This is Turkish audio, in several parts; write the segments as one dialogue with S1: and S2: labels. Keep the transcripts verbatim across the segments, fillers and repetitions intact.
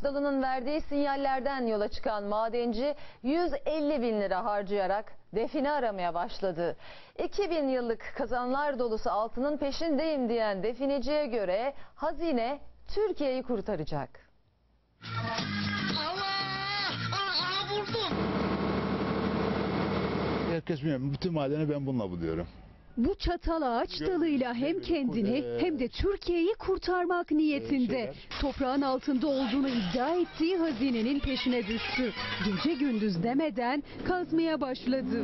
S1: dalının verdiği sinyallerden yola çıkan madenci yüz elli bin lira harcayarak define aramaya başladı. iki bin yıllık kazanlar dolusu altının peşindeyim diyen defineciye göre hazine Türkiye'yi kurtaracak.
S2: Allah! Aa, vurdum!
S3: Herkes bilmiyor. Bütün madeni ben bununla buluyorum.
S4: Bu çatal ağaç dalıyla hem kendini hem de Türkiye'yi kurtarmak niyetinde toprağın altında olduğunu iddia ettiği hazinenin peşine düştü. Gece gündüz demeden kazmaya başladı.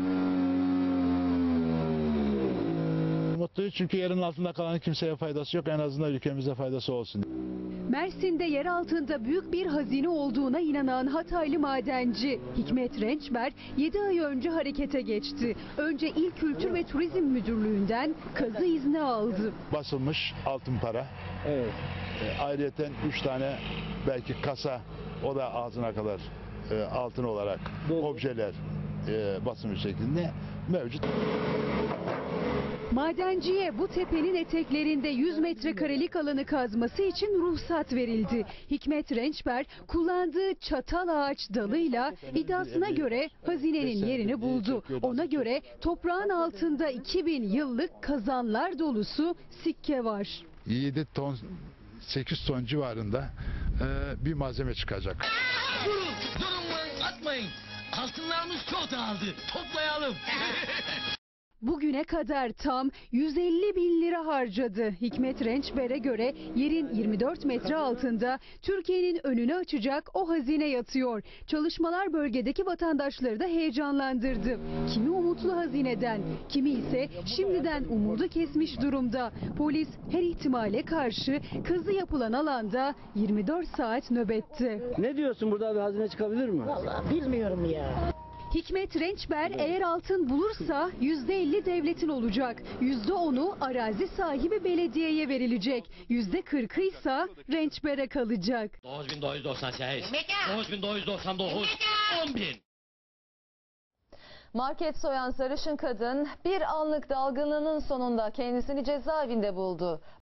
S3: Mutluyuz çünkü yerin altında kalan kimseye faydası yok. En azından ülkemize faydası olsun.
S4: Mersin'de yer altında büyük bir hazine olduğuna inanan Hataylı madenci Hikmet Rençber yedi ay önce harekete geçti. Önce İl Kültür ve Turizm Müdürlüğü'nden kazı izni aldı.
S3: Basılmış altın para. Evet. E, ayrıyeten üç tane belki kasa, o da ağzına kadar e, altın olarak Doğru. objeler e, basılmış şeklinde mevcut.
S4: Madenciye bu tepenin eteklerinde yüz metrekarelik alanı kazması için ruhsat verildi. Hikmet Rençber kullandığı çatal ağaç dalıyla iddiasına göre hazinenin yerini buldu. Ona göre toprağın altında iki bin yıllık kazanlar dolusu sikke var.
S3: yedi ton sekiz ton civarında e, bir malzeme çıkacak.
S2: Durun! Durun! Atmayın! Altınlarımız çok dağıldı. Toplayalım.
S4: Bugüne kadar tam yüz elli bin lira harcadı. Hikmet Rençber'e göre yerin yirmi dört metre altında Türkiye'nin önünü açacak o hazine yatıyor. Çalışmalar bölgedeki vatandaşları da heyecanlandırdı. Kimi umutlu hazineden, kimi ise şimdiden umudu kesmiş durumda. Polis her ihtimale karşı kazı yapılan alanda yirmi dört saat nöbette.
S5: Ne diyorsun, burada bir hazine çıkabilir mi?
S6: Vallahi bilmiyorum ya.
S4: Hikmet Rençber eğer altın bulursa yüzde elli devletin olacak. yüzde onu arazi sahibi belediyeye verilecek. yüzde kırkı ise Rençber'e kalacak.
S2: dokuz bin dokuz yüz doksan sekiz, dokuz bin dokuz yüz doksan dokuz, on bin.
S1: Market soyan sarışın kadın bir anlık dalgınlığının sonunda kendisini cezaevinde buldu.